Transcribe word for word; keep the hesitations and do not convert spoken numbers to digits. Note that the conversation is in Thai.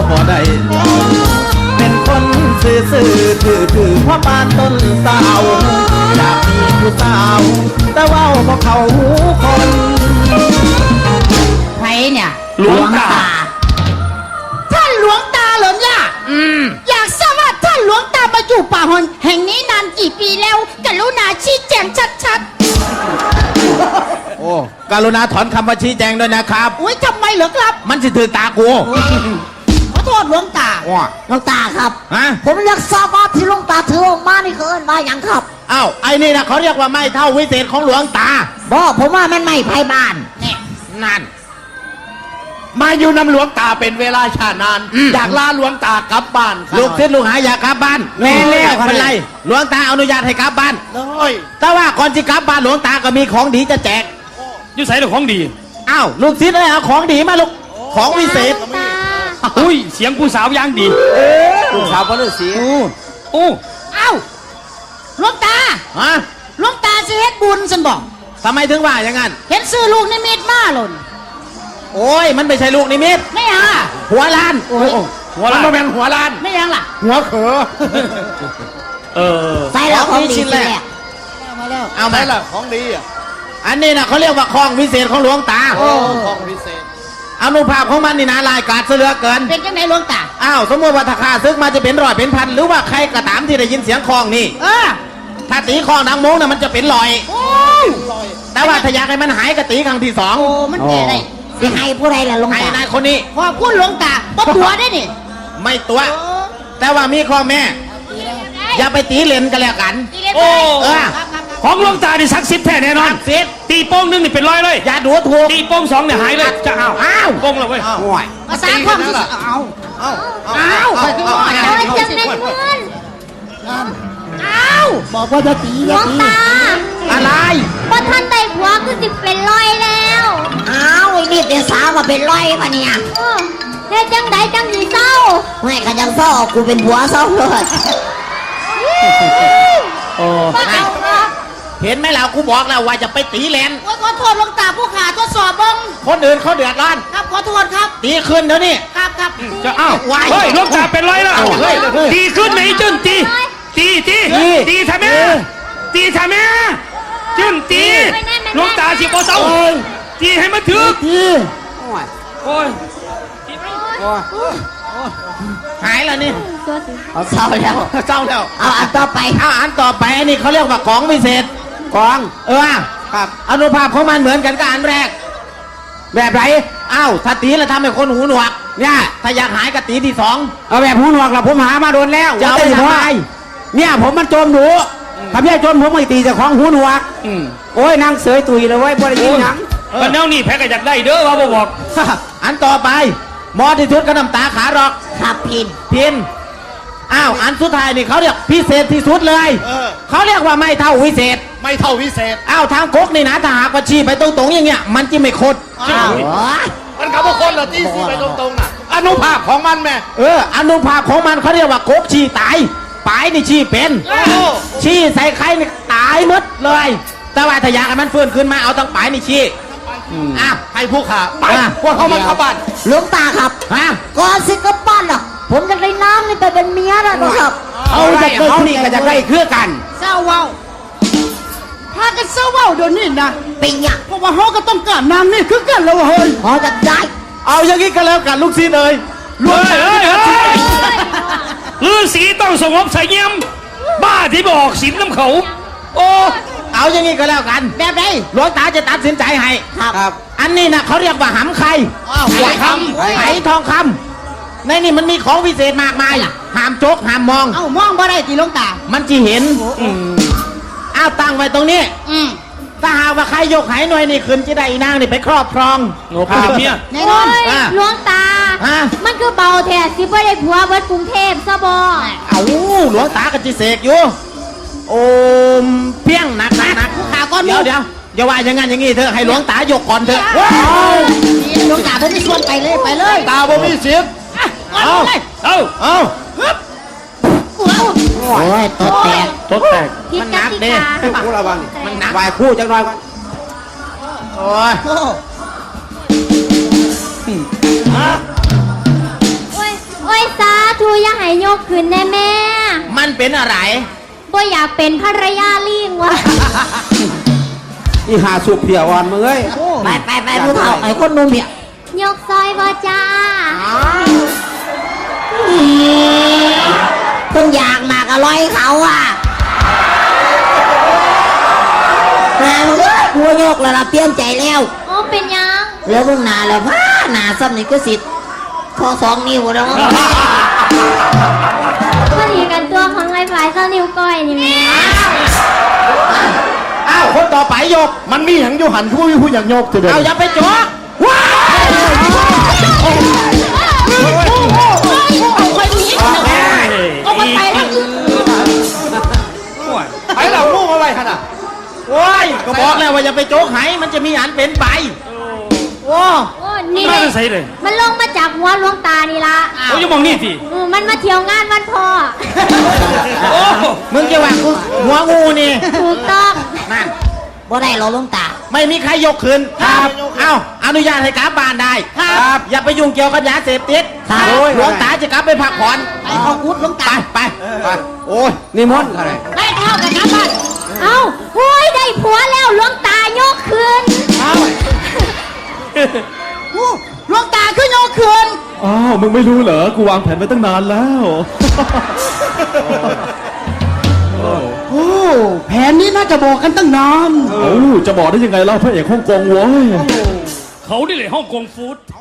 บ่ได้เป็นคนซื่อซื่อถือถือพ่อปานต้นสาวอยากมีผู้สาวแต่ว่าบ่เข้าหูคนใครเนี่ยหลวงตาท่านหลวงตาเหรอเนี่ยอืมอยากทราบว่าท่านหลวงตามาอยู่ป่าหอนแห่งนี้นานกี่ปีแล้วกรุณาชี้แจงชัดๆโอ้กรุณาถอนคำว่าชี้แจงด้วยนะครับอุ้ยทำไมเหรอครับมันสิถือตากูขอโทษหลวงตาหลวงตาครับฮะผมอยากทราบว่าที่หลวงตาถือออกมานี่คือเอิ้นว่าอย่างครับอ้าวไอ้นี่นะเขาเรียกว่าไม่เท่าวิเศษของหลวงตาบอกผมว่ามันไม่ไพ่บ้านเนี่ยนั่นมาอยู่นำหลวงตาเป็นเวลาชานานอยากลาหลวงตากลับบ้านลูกศิษย์ลูกหาอยากกลับบ้านแม่เลี้ยงเป็นไรหลวงตาอนุญาตให้กลับบ้านเลยแต่ว่าก่อนที่กลับบ้านหลวงตาก็มีของดีจะแจกอยู่ใส่ของดีอ้าวลูกศิษย์เลยเอาของดีมาลูกของวิเศษอุ้ยเสียงผู้สาวยังดีลูกสาวพระฤาษีโอ้อ้าวหลวงตาฮะหลวงตาสิเฮ็ดบุญฉันบอกทำไมถึงว่าอย่างนั้นเห็นซื้อลูกนิมิตมาหล่นโอ้ยมันไม่ใช่ลูกนิมิตไม่ฮะหัวล้านหัวล้านมันเป็นหัวล้านไม่ยังล่ะหัวเขอเออใส่แล้วของดีชิ้นแรกมาแล้วเอาไหมล่ะของดีอ่ะอันนี้นะเขาเรียกว่าของวิเศษของหลวงตาโอ้ของวิเศษอนุภาพของมันนี่นะลายกาดเสือเกินเป็นยังไงหลวงตาอ้าวสมมติว่าถ้าข้าซึกมาจะเป็นร้อยเป็นพันหรือว่าใครกระตามที่ได้ยินเสียงคลองนี่เออถ้าตีคลองดังโมงน่ะมันจะเป็นลอยแต่ว่าถ้าอยากให้มันหายกระตีครั้งที่สองโอ้มันแก่ได้สิให้ผู้ใดล่ะหลวงตาให้นายคนนี้พอพูดหลวงตาก็ตัวได้นี่ไม่ตัวแต่ว่ามีข้อแม่อย่าไปตีเลนกันแล้วกันโอ้เออของหลวงตาดิศักดิ์สิทธิ์แท้แน่นอนสิทธิ์ตีโป้งนึงนี่เป็นร้อยเลยอย่าดูถูกตีโป้งสองเนี่ยหายเลยจะเอาอ้าวโป้งเลยเว้ยภาษาความเอาเอาเอาไปขึ้นมาโอ้ยจังเล่นเพื่อนเอาบอกว่าจะตีหลวงตาอะไรพอท่านได้ผัวก็สิเป็นร้อยแล้วอ้าวไอ้นี่เป็นสาวมาเป็นร้อยปะเนี่ยเฮ้ยจังไดจังสีเศร้าไม่กันยังเศร้ากูเป็นผัวเศร้าเลยโอ้เห็นไหมล่ะกูบอกแล้วว่าจะไปตีเลนขอโทษหลวงตาผู้ขาทดสอบบ้งคนอื่นเขาเดือดร้อนครับขอโทษครับตีขึ้นเดี๋ยวนี้ครับครับจะเอ้าเฮ้ยหลวงตาเป็นร้อยแล้วตีขึ้นไหนจุนตีตีตีตีทำไมตีทำไมจุนตีหลวงตาสิโกเศร้าตีให้มันถึกตีโอ้ยหายแล้วนี่เอาเศร้าแล้วเศร้าแล้วเอาอันต่อไปเอาอันต่อไปอันนี้เขาเรียกว่าของวิเศษของเออครับอนุภาพของมันเหมือนกันกับอันแรกแบบไรอ้าวถ้าตีแล้วทำให้คนหูหนวกเนี่ยถ้าอยากหายก็ตีที่สองเอาแบบหูหนวกละผมหามาโดนแล้วจะเอาไปทำไมเนี่ยผมมันโจมหนูถ้าพี่โจมผมไม่ตีจากของหูหนวกโอ้ยนางเสยตุยเลยเว้ยบ่ได้ยินหยังมันแนวนี่แพ้ก็อยากได้เด้อว่าบอกอันต่อไปมอที่ชุดก็น้ำตาขาหรอกครับพินพินอ้าวอันสุดท้ายนี่เขาเรียกพิเศษที่สุดเลยเขาเรียกว่าไม่เท่าวิเศษไม่เท่าวิเศษอ้าวทางก๊กนี่นะถ้าหากว่าชี้ไปตรงๆอย่างเงี้ยมันจะไม่คดมันเขาบอกคนละที่ชี้ไปตรงๆน่ะอนุภาพของมันแม่เอออนุภาพของมันเขาเรียกว่าก๊กชี้ตายปลายนี่ชี้เป็นชี้ใส่ใครนี่ตายหมดเลยแต่ว่าถ้าอยากให้มันฟื้นขึ้นมาเอาตั้งปลายนี่ชี้อ้าวให้ผู้ขาไปพวกเขามันเข้าบ้านหลวงตาครับฮะก่อนสิกลับบ้านล่ะผมจะได้น้ำนี่ไปเป็นเมียแล้วนะครับเอาจะเขานี่ก็จะได้เครือกันเศร้าเว้าพากันเศร้าเว้าเดี๋ยวนี้นะเป็นยังเพราะว่าเขาก็ต้องการน้ำนี่คือกันแล้วเฮ้ยพอจะได้เอาอย่างนี้ก็แล้วกันลูกศิษย์เลยรวยเฮ้ยฤาษีต้องสงบใส่เยี่ยมบ้าที่บอกศีลน้ำเขาโอ้เอาอย่างนี้ก็แล้วกันแบบไหนหลวงตาจะตัดสินใจให้ครับอันนี้นะเขาเรียกว่าหำไข่ไหคำไหทองคำในนี่มันมีของพิเศษมากมายห้ามโจกห้ามมองเอ้ามองบ่ได้ตีหลวงตามันจะเห็นอ้าวตั้งไว้ตรงนี้ถ้าหากว่าใครยกไหหน่วยนี่ขึ้นจะได้นางนี่ไปครอบครองโอ้โหเนี่ยแน่นอนหลวงตามันคือเบาแท้สิบ่ได้ผัวเบิดกรุงเทพซะบ่เอาหลวงตากระจิเสกอยู่โอมเพียงหนักหนักขาก้อนเดี๋ยวเดี๋ยวอย่าว่าอย่างงั้นอย่างงี้เถอะให้หลวงตายกก่อนเถอะหลวงตาผมไม่ชวนไปเลยไปเลยตาบ่มีสิทธิ์เอาเอาเอาโอ้ยตดแตกตดแตกมันหนักเด้คู่ระวังมันหนักวายคู่จังหน่อยก่อนโอ้ยกขึ้นแน่แม่มันเป็นอะไรบ่อยากเป็นภรรยาลิงวะอีหาสุกเพียอ่อนมึงเอ้ยไปไปไปผู้เฒ่าไอ้คนหนุ่มเนี่ยยกซอยบ่จ้าเพิ่งอยากมากอร่อยเขาอ่ะแต่มึงเอ้ยกูโยกแล้วล่ะเปลี่ยนใจแล้วโอ้เป็นยังแล้วมึงหนาแล้วพ้าหนาซ้ำนี่ก็สิทธิ์ทอสองนิ้วแล้วพอดีกันตัวของไอ้ฝ่ายเจ้านิ้วก้อยนี่แม่อ้าวคนต่อไปยกมันมีหยังอยู่หันผู้ผู้อยากโยกจะเดินเอาอย่าไปจกว้ายเอาคนนี้เอามันไปแล้วไอ้เรามุ่งอะไรขนาดโอ้ยก็บอกแล้วว่าอย่าไปโจกไหมันจะมีอันเป็นไปโอ้โอ้นี่มาเลยใส่เลยมันลงมาจากหัวหลวงตานี่ละโอ้ยมองนี่สิอืมมันมาเที่ยวงานวันพ่อโอ้มึงจะว่ากูหัวงูนี่ถูกต้องนั่นบ่ได้หรอหลวงตาไม่มีใครยกคืนครับเอ้าอนุญาตให้กลับบ้านได้ครับอย่าไปยุ่งเกี่ยวกับยาเสพติดครับโอ้ยหลวงตาจะกลับไปพักผ่อนไปเอากุดหลวงไปตาไปไปโอ้ยนิมนต์อะไรได้เท่ากันครับบ้านเอ้าโอ้ยได้ผัวแล้วหลวงตายกคืนอู้หลวงตาขึ้นโยกคืนอ้าว มึงไม่รู้เหรอ กูวางแผนไว้ตั้งนานแล้วโอ้แผนนี้น่าจะบอกกันตั้งนานเอ้าจะบอกได้ยังไงเล่าพระเอกฮ่องกงเว้ยเขาดิเลยฮ่องกงฟู้ด